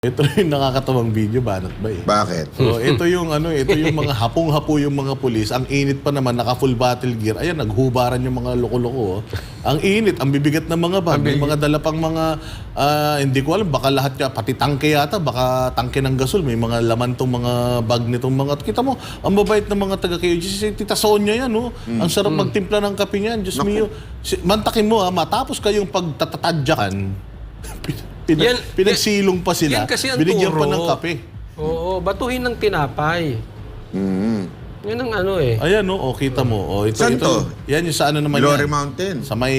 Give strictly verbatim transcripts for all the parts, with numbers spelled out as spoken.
Ito yung nakakatawang video, banat ba eh? Bakit? So, ito yung ano, ito yung mga hapong-hapo yung mga pulis. Ang init pa naman, naka full battle gear. Ayan, naghubaran yung mga loko-loko. Oh. Ang init, ang bibigat ng mga bag. May mga dala pang mga, ah, hindi ko alam, baka lahat ka, pati tangke yata, baka tangke ng gasol. May mga laman tong mga bag nitong mga, kita mo, ang babait ng mga taga-K O J C. Tita Sonia yan, oh. Ang sarap magtimpla ng kape niyan. Diyos mio. Si- Mantakin mo, ha, matapos kayong pagtatatadyakan, Pinag, Yan, pinagsilong pa sila, yan kasi ang binigyan turo. pa ng kape. Oo, batuhin ng tinapay. Mm. Yan ang ano eh. Ayan, no? O, kita mo. O, ito, Saan ito, to? Yan yung sa ano naman Glory yan. Mountain. Sa may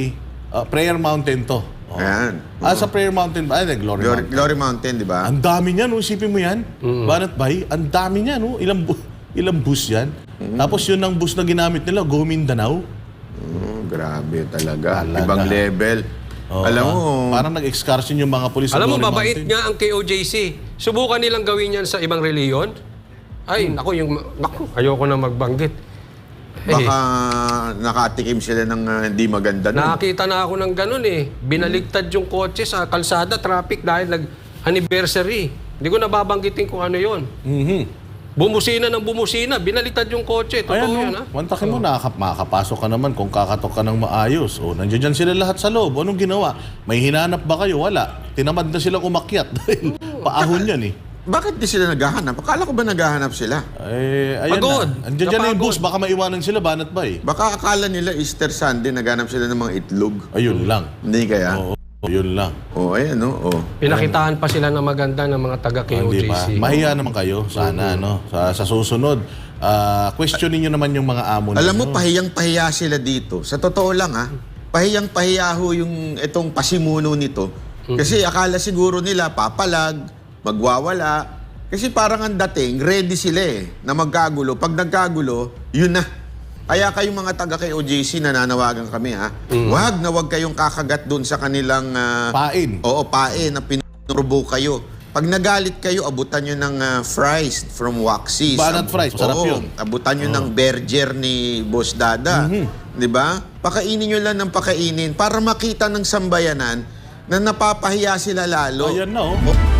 uh, Prayer Mountain to. O. Ayan. Ah, sa Prayer Mountain ba? Ay, Glory, Glory, Mountain. Glory Mountain, di ba? Ang dami niya, no? Isipin mo yan. Banat Bay, ang dami niya, no? Ilang, bu- ilang bus yan. Tapos yun ang bus na ginamit nila, Go Mindanao. Oh, grabe talaga. Talaga. Ibang level. Oo, Alam mo, ah. Parang nag-excursion yung mga pulis sa Alam mo, Glory mabait Mountain. nga ang K O J C. Subukan nilang gawin yan sa ibang reliyon. Ay, naku, yung, naku, ayoko na magbanggit. Eh, baka nakatikim sila ng ah, hindi maganda nun. nakakita na ako ng ganun eh. Binaligtad yung kotse sa kalsada, traffic dahil nag-anniversary. Hindi ko nababanggitin kung ano yon. Mhm. Bumusina ng bumusina, binaliktad yung kotse. Totoo Ayan, yun, no? ha? Mantakin mo, nakaka- makakapasok ka naman kung kakatok ka ng maayos. O, nandiyan dyan sila lahat sa loob. Anong ginawa? May hinanap ba kayo? Wala. Tinamad na silang umakyat dahil paahon yan eh. Bakit di sila naghahanap? Akala ko ba naghahanap sila? Eh, ayan Pagod. na. Andiyan dyan na yung Napagod. bus. Baka maiwanan sila, banat ba eh. Baka akala nila Easter Sunday naghanap sila ng mga itlog. Ayun lang. Hindi kaya? Oo, yun lang. Oh, ayan, no? Oh. Pinakitaan pa sila ng maganda ng mga taga-K O Hindi J ba? C. Mahiya naman kayo. Sana, no? Sa, sa susunod, ah, questionin nyo naman yung mga amo Alam mo, ninyo. pahiyang-pahiya sila dito. Sa totoo lang, ha? Pahiyang-pahiya ho yung itong pasimuno nito. Kasi akala siguro nila papalag, magwawala. Kasi parang ang dating, ready sila eh, na magkagulo. Pag nagkagulo, yun na. Kaya kayong mga taga-K O J C, nananawagan kami, ha? Wag na wag kayong kakagat doon sa kanilang... ah, Pain. Oo, pae na pinurubo kayo. Pag nagalit kayo, abutan nyo ng ah, fries from Waxy's. Banat fries, sarap Oo, yun. abutan nyo ng burger ni Boss Dada. Di ba? Pakainin nyo lang ng pakainin para makita ng sambayanan na napapahiya sila lalo. Ayan na, oh.